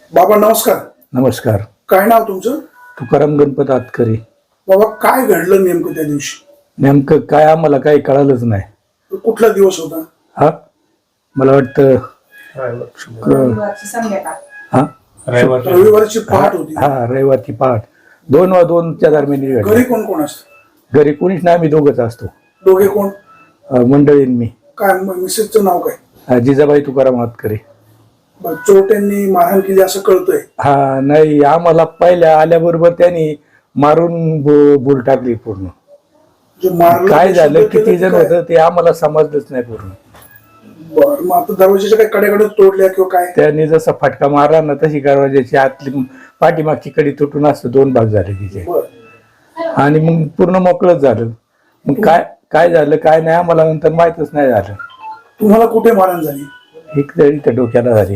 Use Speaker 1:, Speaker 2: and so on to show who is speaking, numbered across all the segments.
Speaker 1: बाबा नमस्कार.
Speaker 2: नमस्कार.
Speaker 1: काय नाव तुमचं?
Speaker 2: तुकाराम गणपत आतकरी.
Speaker 1: बाबा काय घडलं नेमकं त्या दिवशी?
Speaker 2: नेमकं काय आम्हाला काही कळालंच नाही.
Speaker 1: कुठला दिवस होता?
Speaker 2: हा मला वाटतं हा
Speaker 1: रविवारची पहाट होती.
Speaker 2: हा रविवारची पहाट 2:02च्या दरम्यान घडली.
Speaker 1: घरी कोण कोण असतं?
Speaker 2: घरी कोणीच नाही, आम्ही दोघंच असतो.
Speaker 1: दोघे कोण?
Speaker 2: मंडळीन मी.
Speaker 1: काय मिसेसचं नाव काय?
Speaker 2: जिजाबाई तुकाराम आतकरी.
Speaker 1: चोरट्यांनी मारहाण केली असं कळतंय.
Speaker 2: हा नाही, आम्हाला पहिल्या आल्याबरोबर त्यांनी मारून बोल टाकली पूर्ण.
Speaker 1: जे मारलं
Speaker 2: काय
Speaker 1: ते
Speaker 2: झालं,
Speaker 1: शब्द
Speaker 2: किती
Speaker 1: केलं
Speaker 2: जण
Speaker 1: काय?
Speaker 2: होतं ते आम्हाला समजलंच नाही पूर्ण.
Speaker 1: बरं, मग आता दरवाजाच्या काही कड्याकडे तोडल्या किंवा काय?
Speaker 2: त्यांनी जसा फटका मारला ना तशी दरवाजाची आतली पाठीमागची कडी तुटून असतं, 2 भाग झाले तिचे.
Speaker 1: बरं.
Speaker 2: आणि मग पूर्ण मोकळंच झालं. मग काय काय झालं काय नाही आम्हाला नंतर माहीतच नाही झालं.
Speaker 1: तुम्हाला कुठे मारहाण झाली?
Speaker 2: एक तरी त्या डोक्याला झाली.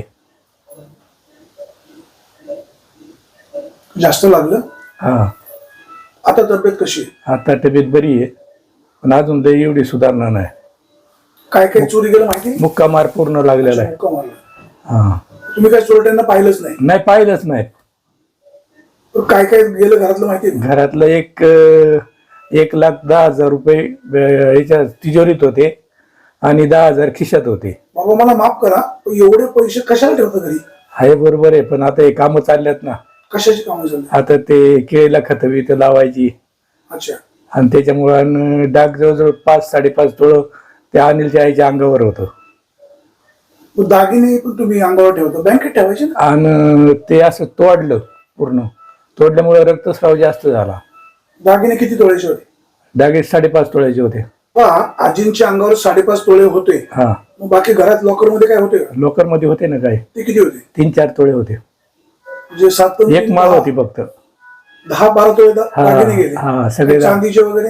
Speaker 1: जास्त लागलं?
Speaker 2: हा
Speaker 1: आता तब्येत कशी आहे?
Speaker 2: आता तब्येत बरी आहे, पण अजून तरी एवढी सुधारणा नाही.
Speaker 1: काय काय चोरी गेलं माहिती नाही?
Speaker 2: मुक्का मार पूर्ण लागलेला आहे.
Speaker 1: मुक्का मारला.
Speaker 2: हा
Speaker 1: तुम्ही काय चोरट्यांना पाहिलंच नाही?
Speaker 2: नाही पाहिलंच नाही.
Speaker 1: तर काय काय गेलं घरातलं माहिती आहे?
Speaker 2: घरातलं 1,10,000 रुपये याच्या तिजोरीत होते आणि 10,000 खिशात होते.
Speaker 1: बाबा मला माफ करा, पण एवढे पैसे कशाला ठेवता घरी?
Speaker 2: आहे बरोबर आहे, पण आता हे कामं चालल्यात ना.
Speaker 1: कशाची कामं झाली?
Speaker 2: आता ते केळीला खतं बितं लावायची
Speaker 1: अच्छा.
Speaker 2: आणि त्याच्यामुळे डाग जवळजवळ 5-5.5 तोळं त्या अनिलच्या आईच्या अंगावर होतं.
Speaker 1: मग दागिने पण तुम्ही अंगावर ठेवता, बँकेत ठेवायचे ना?
Speaker 2: आणि ते असं तोडलं पूर्ण. तोडल्यामुळे रक्तस्राव जास्त झाला.
Speaker 1: दागिने किती तोळ्याचे होते?
Speaker 2: डागे 5.5 तोळ्याचे होते.
Speaker 1: आजींच्या अंगावर 5.5 तोळे होते.
Speaker 2: हा
Speaker 1: मग बाकी घरात लॉकर मध्ये काय होते?
Speaker 2: लोकर मध्ये होते ना, काय
Speaker 1: ते किती होते?
Speaker 2: 3-4 तोळे होते.
Speaker 1: म्हणजे 7
Speaker 2: एक माळ होती फक्त.
Speaker 1: 10-12 तोळे दागिने गेले.
Speaker 2: हा सगळे
Speaker 1: चांदीचे वगैरे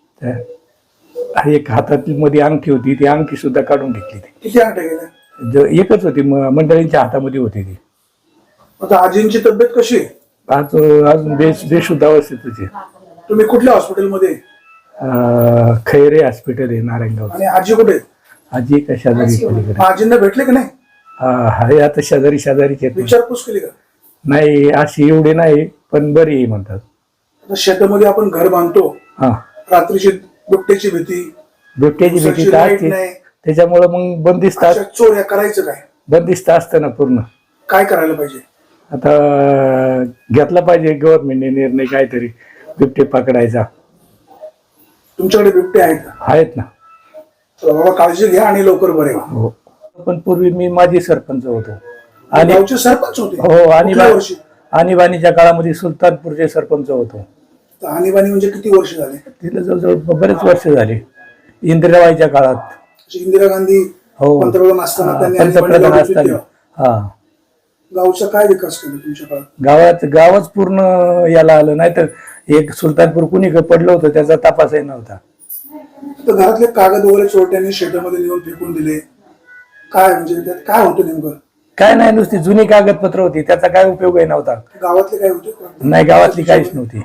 Speaker 2: एक हातातली मध्ये अंगठी होती, ती अंगठी सुद्धा काढून घेतली. ती
Speaker 1: किती अंगठ्या गेल्या?
Speaker 2: एकच होती, मंडळींच्या हातामध्ये होती ती.
Speaker 1: आता आजींची तब्येत कशी आहे?
Speaker 2: आज अजून बेशुद्ध अवस्थेत होती.
Speaker 1: तुम्ही कुठल्या हॉस्पिटलमध्ये?
Speaker 2: खैरे हॉस्पिटल आहे नारायणगाव.
Speaker 1: आणि आजी कुठे आहे?
Speaker 2: आजी एका शेजारी पलीकडे.
Speaker 1: आजींना भेटले की नाही?
Speaker 2: आहे आता शेजारीच येते.
Speaker 1: विचारपूस केली का?
Speaker 2: नाही अशी एवढी नाही, पण बरी आहे म्हणतात.
Speaker 1: आता शेतामध्ये आपण घर बांधतो,
Speaker 2: हा
Speaker 1: रात्रीची बिबट्याची भीती,
Speaker 2: बिबट्याची भीती
Speaker 1: लाईट
Speaker 2: काय
Speaker 1: नाही,
Speaker 2: त्याच्यामुळे मग बंदिस्त
Speaker 1: अशा चोऱ्या करायचं काय?
Speaker 2: बंदिस्त असतं ना पूर्ण.
Speaker 1: काय करायला पाहिजे?
Speaker 2: आता घेतला पाहिजे गव्हर्नमेंटने निर्णय काहीतरी बिबटे पकडायचा.
Speaker 1: तुमच्याकडे बिबटे आहेत का?
Speaker 2: आहेत ना.
Speaker 1: तर बाबा काळजी घ्या आणि लवकर बरे व्हा.
Speaker 2: हो, पण पूर्वी मी माजी सरपंच होतो. आणि
Speaker 1: गावचे सरपंच होते?
Speaker 2: हो,
Speaker 1: कुठल्या वर्षी?
Speaker 2: आणीबाणीच्या काळामध्ये सुलतानपूरचे सरपंच होतो.
Speaker 1: तर आणीबाणी म्हणजे किती वर्ष झाले?
Speaker 2: तिथे जवळजवळ बरेच वर्ष झाले. इंदिराबाईच्या काळात.
Speaker 1: इंदिरा गांधी
Speaker 2: हो,
Speaker 1: पंतप्रधान असताना त्यांनी
Speaker 2: पंतप्रधान
Speaker 1: आणीबाणी
Speaker 2: असताना.
Speaker 1: लावली.
Speaker 2: हा
Speaker 1: गावचा काय विकास केला तुमच्या काळात?
Speaker 2: गावच पूर्ण याला आलं नाही तर एक सुलतानपूर कुणी पडलं होतं त्याचा तपासही नव्हता.
Speaker 1: तर घरातले कागद वगैरे चोरट्यांनी शेतामध्ये नेऊन फेकून दिले, काय म्हणजे त्यात काय होतं नेमकं?
Speaker 2: काय नाही, नुसती जुनी कागदपत्र होती, त्याचा काय उपयोगही नव्हता.
Speaker 1: गावातले काय होते?
Speaker 2: नाही, गावातली काहीच नव्हती.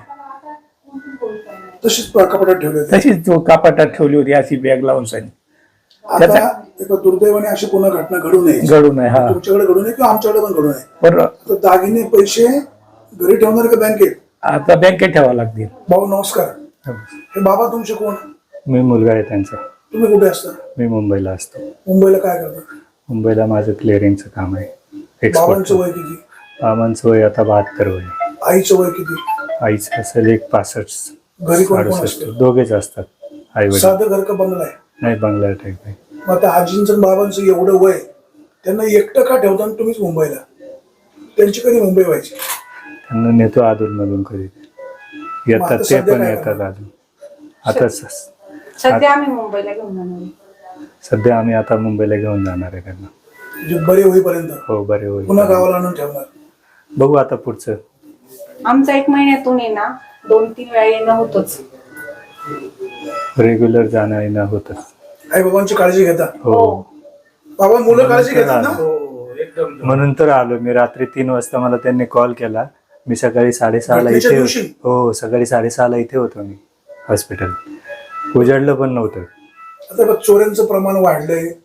Speaker 1: तशीच कपाटात ठेवले होते?
Speaker 2: तशीच कापाटात ठेवली होती, अशी बॅग लावून सांग.
Speaker 1: आता एका दुर्दैवाने अशी पुन्हा घटना घडू नये.
Speaker 2: घडू नये. हा,
Speaker 1: तुमच्याकडे घडू नये किंवा आमच्याकडे पण घडू नये.
Speaker 2: पण
Speaker 1: तर दागिने पैसे घरी ठेवणार का बँकेत?
Speaker 2: आता बँकेत ठेवावं लागतील.
Speaker 1: भाऊ नमस्कार. हे बाबा तुमचे कोण?
Speaker 2: मी मुलगा आहे त्यांचा.
Speaker 1: तुम्ही कुठे असता?
Speaker 2: मी मुंबईला असतो.
Speaker 1: मुंबईला काय करता?
Speaker 2: मुंबईला माझं क्लिअरिंगचं काम आहे.
Speaker 1: बाबांचं वय किती?
Speaker 2: बाबांचं वय आता 72 वय.
Speaker 1: आईचं वय किती?
Speaker 2: आईचं असेल 65.
Speaker 1: घरी कोण कोण
Speaker 2: 68.
Speaker 1: असतं?
Speaker 2: दोघेच असतात. आई वडील.
Speaker 1: साधं घर का बंगला आहे?
Speaker 2: नाही, बंगला टाईप आहे.
Speaker 1: मग आता आजींचं बाबांचं एवढं वय, त्यांना एकटं का ठेवता आणि तुम्हीच मुंबईला? त्यांची कधी मुंबई व्हायची?
Speaker 2: त्यांना नेतो अधूनमधून कधी येतात, ते पण येतात अजून. आता
Speaker 3: सध्या आम्ही मुंबईला घेऊन जाणार.
Speaker 2: सध्या आम्ही आता मुंबईला घेऊन जाणार आहे त्यांना.
Speaker 1: म्हणजे बरे होईपर्यंत?
Speaker 2: हो, बरे होईल.
Speaker 1: पुन्हा गावाला आणून ठेवणार?
Speaker 2: बघू आता पुढचं.
Speaker 3: आमचं 1 महिन्यातून आहे ना 2-3 वेळा येणं होतच.
Speaker 2: रेग्युलर जाणं येणं होतच.
Speaker 1: आई बाबांची काळजी घेता?
Speaker 2: हो,
Speaker 1: बाबा मुलं काळजी घेतात ना?
Speaker 2: म्हणून तर आलो मी. रात्री 3 वाजता मला त्यांनी कॉल केला. मी सकाळी 6:30ला
Speaker 1: घटनेच्या
Speaker 2: इथे. हो, सकाळी 6:30ला इथे होतो मी हॉस्पिटल. उजाडलं पण नव्हतं.
Speaker 1: आता बघ, चोऱ्यांचं प्रमाण वाढलंय,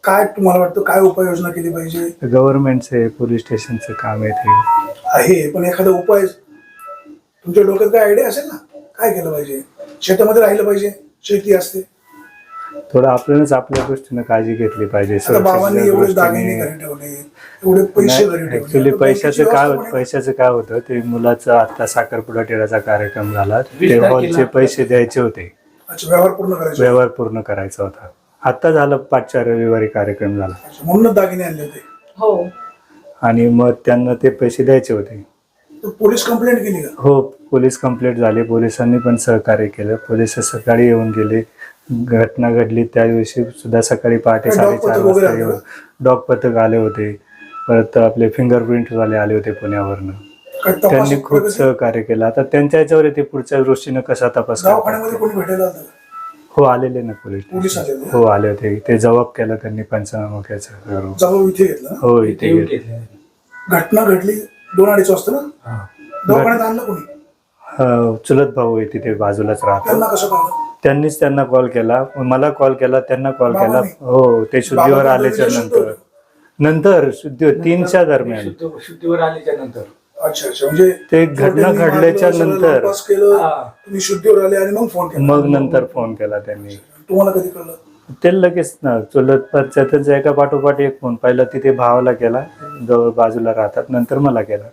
Speaker 1: काय तुम्हाला वाटतं, काय उपाययोजना केली पाहिजे?
Speaker 2: गव्हर्नमेंटचे पोलीस स्टेशनचं काम आहे ते.
Speaker 1: आहे, पण एखादा उपाय तुमच्या डोक्यात काय आयडिया असेल ना, काय केलं पाहिजे? शेतामध्ये राहिलं पाहिजे, शेती असते.
Speaker 2: थोडं आपल्यालाच आपल्या गोष्टीनं काळजी घेतली पाहिजे.
Speaker 1: आता बाबांनी एवढे दागिने घरी ठेवले, एवढे पैसे घरी ठेवले.
Speaker 2: ऍक्च्युली
Speaker 1: आता बँकेची
Speaker 2: पैशाचं काय होतं, ते मुलाचं आता साखरपुडा टेडाचा कार्यक्रम झाला, ते हॉलचे पैसे द्यायचे होते,
Speaker 1: अच्छा, व्यवहार पूर्ण करायचे.
Speaker 2: व्यवहार पूर्ण करायचा होता. आता झालं 5-4 रविवारी कार्यक्रम झाला.
Speaker 1: अच्छा, म्हणूनच दागिने आणले होते.
Speaker 3: हो.
Speaker 2: आणि मग त्यांना ते पैसे द्यायचे होते.
Speaker 1: तर पोलीस कंप्लेंट केली का?
Speaker 2: हो, पोलीस कंप्लेंट झाली. पोलिसांनी पण सहकार्य केलं. पोलीस सकाळी येऊन गेले. घटना घडली त्या दिवशी सुद्धा सकाळी पहाटे
Speaker 1: काय
Speaker 2: 4:30
Speaker 1: डॉग पथक वगैरे
Speaker 2: वाजता
Speaker 1: आलं
Speaker 2: येऊन
Speaker 1: का?
Speaker 2: डॉग पथक आले होते. परत आपले फिंगरप्रिंट वाले आले होते पुण्यावरनं.
Speaker 1: काय तपास
Speaker 2: त्यांनी खूप
Speaker 1: प्रगती?
Speaker 2: सहकार्य केलं. आता त्यांच्या याच्यावर ते पुढच्या दृष्टीनं कसा तपास करतात.
Speaker 1: दवाखान्यामध्ये कोणी भेटायला आलं?
Speaker 2: हो, आलेले ना पोलीस.
Speaker 1: पोलीस आलेले?
Speaker 2: हो, आले होते. ते जबाब केला त्यांनी पंचनामा करून.
Speaker 1: जबाब इथे घेतला ना?
Speaker 2: हो, इथे गेले.
Speaker 1: घटना घडली 2-2:30 वाजता ना? दवाखान्यात आणलं कोणी?
Speaker 2: चुलत भाऊ आहे तिथे बाजूलाच राहतो.
Speaker 1: त्यांना कसं कळलं?
Speaker 2: त्यांनीच त्यांना कॉल केला, मला कॉल केला, त्यांना कॉल केला.
Speaker 1: बाबांनी?
Speaker 2: हो, ते शुद्धीवर
Speaker 1: बाबा
Speaker 2: आल्याच्या
Speaker 1: शुद्धीवर?
Speaker 2: नंतर शुद्धीवर 3च्या दरम्यान.
Speaker 4: शुद्धीवर आल्याच्या नंतर.
Speaker 1: अच्छा, म्हणजे
Speaker 2: ते घटना घडल्याच्या नंतर
Speaker 1: तपास केलं, तुम्ही शुद्धीवर आले आणि मग फोन केला.
Speaker 2: मग नंतर फोन केला त्यांनी.
Speaker 1: तुम्हाला कधी कळलं?
Speaker 2: ते लगेच ना चुलत त्यांचा एका पाठोपाठ एक फोन, पहिला तिथे भावाला केला, जवळ बाजूला राहतात, नंतर मला केला.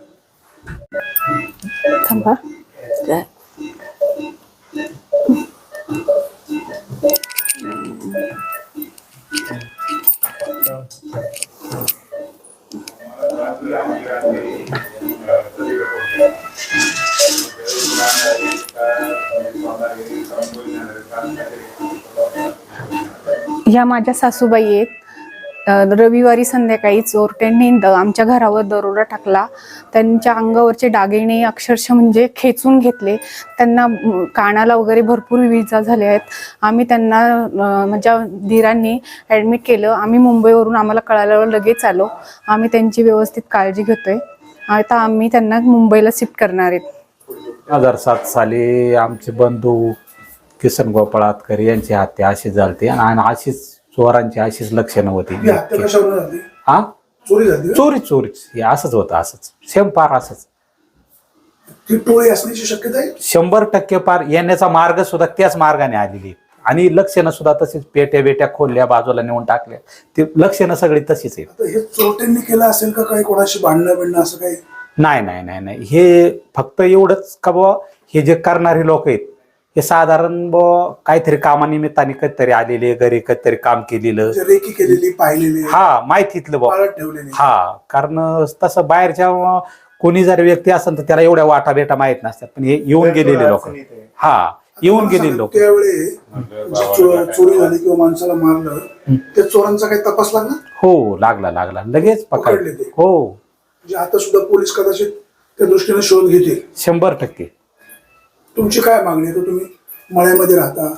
Speaker 3: थांबा. ह्या माझ्या सासूबाई आहेत. रविवारी संध्याकाळी चोरट्यांनी आमच्या घरावर दरोडा टाकला. त्यांच्या अंगावरचे दागिने अक्षरशः म्हणजे खेचून घेतले. त्यांना कानाला वगैरे भरपूर इजा झाल्या आहेत. आम्ही त्यांना माझ्या धीरांनी ॲडमिट केलं. आम्ही मुंबईवरून आम्हाला कळाल्यावर लगेच आलो. आम्ही त्यांची व्यवस्थित काळजी घेतोय. आता आम्ही त्यांना मुंबईला शिफ्ट करणार आहेत.
Speaker 4: 2007 साली आमचे बंधू किसन गोपाळातकर यांची हत्या अशी झाली आणि अशीच चोरांची अशीच लक्षणं होती.
Speaker 1: ही हत्या कशावर झाली?
Speaker 4: हा,
Speaker 1: चोरी झाली का?
Speaker 4: चोरीच हे असंच होतं, असंच सेम पार असंच.
Speaker 1: ती टोळी असण्याची शक्यता आहे?
Speaker 4: 100% पार. येण्याचा मार्ग सुद्धा त्याच मार्गाने आलेली आणि लक्षणं सुद्धा तशीच. पेट्या खोलल्या, बाजूला नेऊन टाकल्या, ती लक्षणं सगळी तशीच आहेत.
Speaker 1: आता हे चोरट्यांनी केलं असेल का? काही कोणाशी भांडणं असं काही?
Speaker 4: नाही, हे फक्त एवढंच का बुवा, हे जे करणारे लोक आहेत हे साधारण बुवा काहीतरी कामानिमित्ताने कधीतरी आलेले, घरी कधीतरी काम केलेलं,
Speaker 1: म्हणजे रेकी केलेली, पाहिलेली,
Speaker 4: हा, माहितीतलं बुवा,
Speaker 1: पाळत ठेवलेली.
Speaker 4: हा. कारण तसं बाहेरच्या कोणी जर व्यक्ती असेल तर त्याला एवढ्या वाटा बेटा माहित नसतात, पण हे येऊन गेलेले लोक, हा, येऊन गेलेले लोक.
Speaker 1: त्यावेळी जी चोरी झाली किंवा माणसाला मारलं, त्या चोरांचा काही तपास लागला?
Speaker 4: हो, लागला लगेच
Speaker 1: पकडले ते?
Speaker 4: हो,
Speaker 1: म्हणजे आता सुद्धा पोलीस कदाचित त्या दृष्टीने शोध घेतील.
Speaker 4: 100%.
Speaker 1: तुमची काय मागणी आहे? तुम्ही मळ्यामध्ये राहता,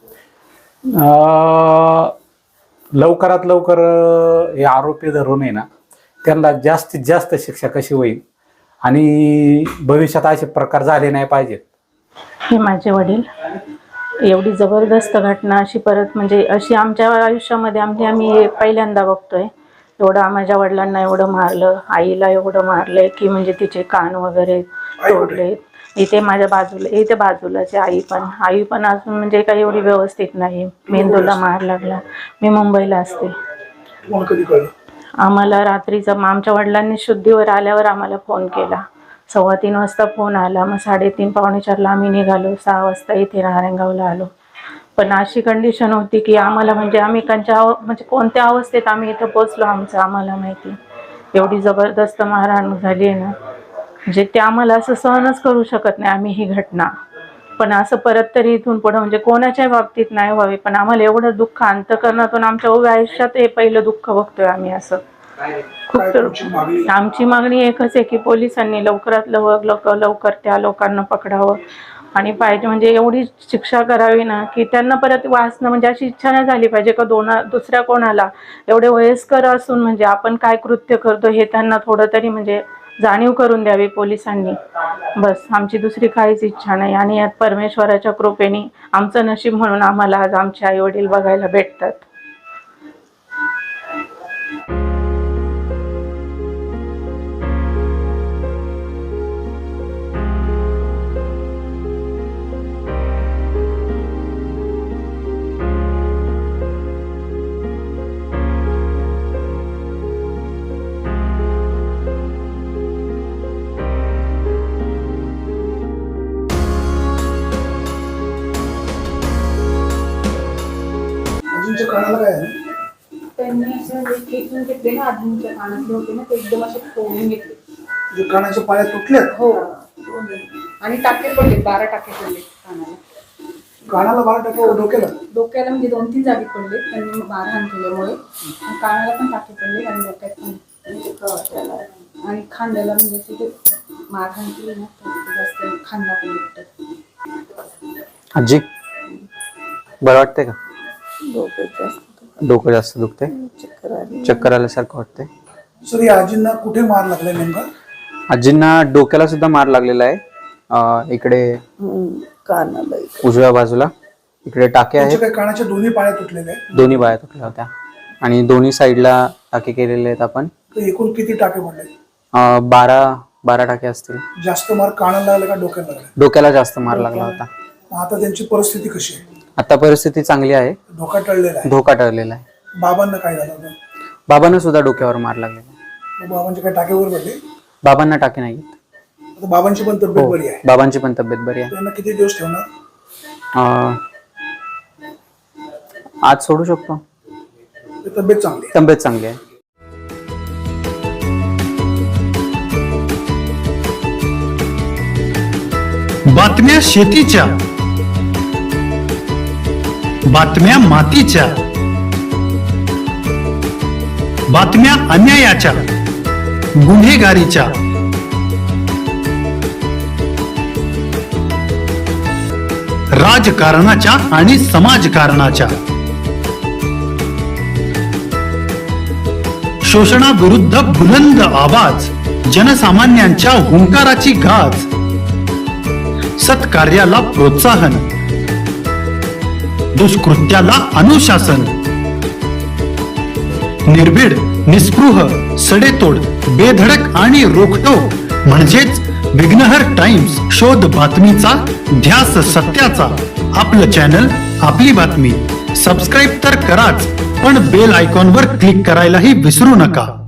Speaker 4: लवकरात लवकर हे आरोपी धरून आहे ना, त्यांना जास्तीत जास्त शिक्षा कशी होईल आणि भविष्यात असे प्रकार झाले नाही पाहिजेत.
Speaker 5: हे माझे वडील. एवढी जबरदस्त घटना अशी परत म्हणजे अशी आमच्या आयुष्यामध्ये आम्ही पहिल्यांदा बघतोय. एवढं माझ्या वडिलांना एवढं मारलं, आईला एवढं मारलंय की म्हणजे तिचे कान वगैरे तोडले. इथे बाजूलाचे आई पण अजून म्हणजे काही एवढी व्यवस्थित नाही. मेंदूला मार लागला. मी मुंबईला असते.
Speaker 1: तुम्हाला कधी कळलं?
Speaker 5: आम्हाला रात्रीचा आमच्या वडिलांनी शुद्धीवर आल्यावर आम्हाला फोन केला. 3:15 वाजता फोन आला. मग 3:30 पावणे 4ला आम्ही निघालो. 6 वाजता इथे नारायणगावला आलो. पण अशी कंडिशन होती की आम्हाला म्हणजे आम्ही म्हणजे कोणत्या अवस्थेत आम्ही इथं पोचलो आम्हाला माहिती. एवढी जबरदस्त मारहाण झाली आहे ना, म्हणजे ते आम्हाला असं सहनच करू शकत नाही आम्ही ही घटना. पण असं परत तरी इथून पुढं म्हणजे कोणाच्या बाबतीत नाही व्हावे. पण आम्हाला एवढं दुःख अंतःकरणातून आमच्या उभ्या आयुष्यात हे पहिलं दुःख बघतोय आम्ही. असं खूप तर आमची मागणी एकच आहे की पोलिसांनी लवकरात लवकर त्या लोकांना पकडावं आणि पाहिजे म्हणजे एवढी शिक्षा करावी ना की त्यांना परत वाचणं म्हणजे अशी इच्छा नाही झाली पाहिजे का दुसऱ्या कोणाला एवढे वयस्कर असून म्हणजे आपण काय कृत्य करतो हे त्यांना थोडं तरी म्हणजे जाणीव करून द्यावी पोलिसांनी. बस आमची दुसरी काहीच इच्छा नाही. आणि यात परमेश्वराच्या कृपेने आमचं नशीब म्हणून आम्हाला आज आमचे आई वडील बघायला भेटतात.
Speaker 1: आजींच्या कानाला काय आहे?
Speaker 3: त्यांनी असं खेचून घेतले ना, आधीच्या कानातले होते ना, ते एकदम असे फोडून घेतले.
Speaker 1: जे कानाच्या पाया तुटल्यात,
Speaker 3: हो. आणि टाके पडले, 12 टाके पडले कानाला.
Speaker 1: कानाला 12 टाके, डोक्याला
Speaker 3: डोक्याला म्हणजे 2-3 जागी पडले त्यांनी मारहाण केल्यामुळे. आणि कानाला पण टाके पडले आणि डोक्यात पण. आणि खांद्याला म्हणजे तिथे मारहाण केली ना, तर जास्त खांदा पण दुखतो.
Speaker 6: आजी बरं वाटतंय का? डोकं जास्त दुखतंय, चक्कर आल्यासारखं वाटतंय.
Speaker 1: सर या आजींना कुठे मार लागलाय नेमका?
Speaker 6: आजींना डोक्याला सुद्धा मार लागलेला आहे. इकडे
Speaker 7: कानाला
Speaker 6: उजव्या बाजूला इकडे टाके आहेत.
Speaker 1: त्यांच्या काय कानाच्या दोन्ही पाया तुटलेले आहेत?
Speaker 6: दोन्ही बाया तुटल्या होत्या आणि दोन्ही साईडला टाके केलेले आहेत आपण.
Speaker 1: तर एकूण किती टाके पडले?
Speaker 6: 12 टाके असतील.
Speaker 1: जास्त मार कानाला लागला का डोक्याला लागला?
Speaker 6: डोक्याला जास्त मार लागला होता.
Speaker 1: मग आता त्यांची परिस्थिती कशी आहे?
Speaker 6: आता परिस्थिती चांगली आहे,
Speaker 1: धोका टळलेला आहे.
Speaker 6: धोका टळलेला आहे.
Speaker 1: बाबांना काय झालं होतं?
Speaker 6: बाबांना सुद्धा डोक्यावर मार लागलेला आहे.
Speaker 1: मग बाबांचे काय टाकेवर पडले?
Speaker 6: बाबांना टाके नाहीत.
Speaker 1: आता बाबांची पण तब्येत
Speaker 6: हो,
Speaker 1: बरी आहे.
Speaker 6: बाबांची पण तब्येत बरी आहे.
Speaker 1: त्यांना किती दिवस ठेवणार?
Speaker 6: आज सोडू शकतो.
Speaker 1: ते तब्येत चांगली आहे.
Speaker 6: तब्येत चांगली आहे.
Speaker 8: बातम्या शेतीच्या, बातम्या मातीच्या, बातम्या अन्यायाच्या, गुन्हेगारीच्या, राजकारणाच्या आणि समाजकारणाच्या, शोषणाविरुद्ध बुलंद आवाज, जनसामान्यांच्या हुंकाराची गाज, सत्कार्याला प्रोत्साहन, दुष्कृत्याला अनुशासन, निर्भीड, निस्पृह, सडेतोड, बेधडक आणि रोखटोक म्हणजेच विघ्नहर टाइम्स. शोध बातमीचा, ध्यास सत्याचा. आपलं चॅनल, आपली बातमी. सबस्क्राईब तर कराच, पण बेल आयकॉनवर क्लिक करायलाही विसरू नका.